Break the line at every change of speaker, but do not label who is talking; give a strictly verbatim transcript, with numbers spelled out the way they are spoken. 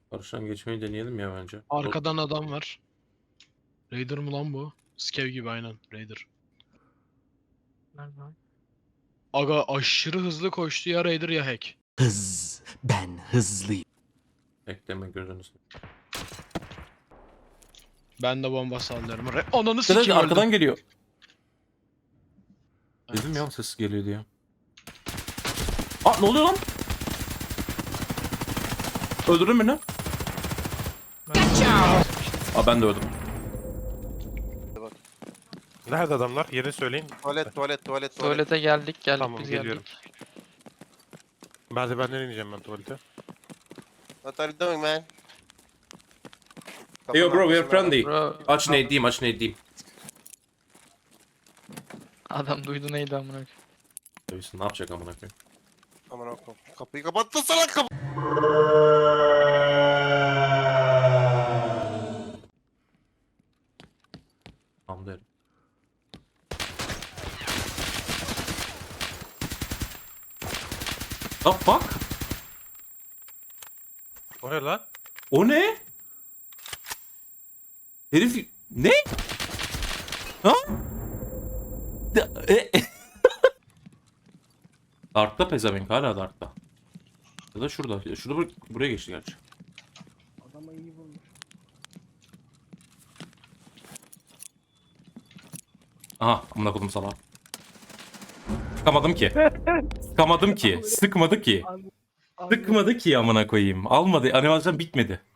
Karşıdan geçmeyi deneyelim ya bence.
Arkadan adam var. Raider mı lan bu? Skev gibi aynen. Raider. Aga aşırı hızlı koştu ya Raider ya hack.
Hız. Ben hızlıyım.
Bekleme gözünü seveyim.
Ben de bomba sallıyorum. Re Ananı
Dede
sikeyim
arkadan
öldüm.
geliyor.
Evet.
Dedim ya ses geliyor diye. Aa ne oluyor lan? Öldürdün beni. Aa ben de öldüm.
Nerede adamlar? Yerini söyleyin.
Tuvalet, tuvalet, tuvalet, tuvalet.
Tuvalete geldik geldik
Tamam,
biz
geliyorum.
geldik.
Merdivenden ineceğim ben tuvalete.
What are you doing, man?
Hey yo bro we are friendly.
Bro
Aç ne diyeyim aç ne diyeyim.
adam duydu neydi amına koyayım.
Tabii ne yapacak amına koyayım.
Aman okudum. Kapıyı kapattın salak kapı.
Tamam derim. The fuck?
O ne lan?
O ne? Herif ne? Ha? Da- e- e- Dark'ta pezevenk hala Dark'ta. Ya da şurada. Şurada bur- buraya geçti gerçi.
Adama iyi vurmuş.
Aha amına kodum salağa. Sıkamadım ki. Sıkamadım ki. Sıkmadı ki. Sıkmadı ki amına koyayım. Almadı. Animasyon bitmedi.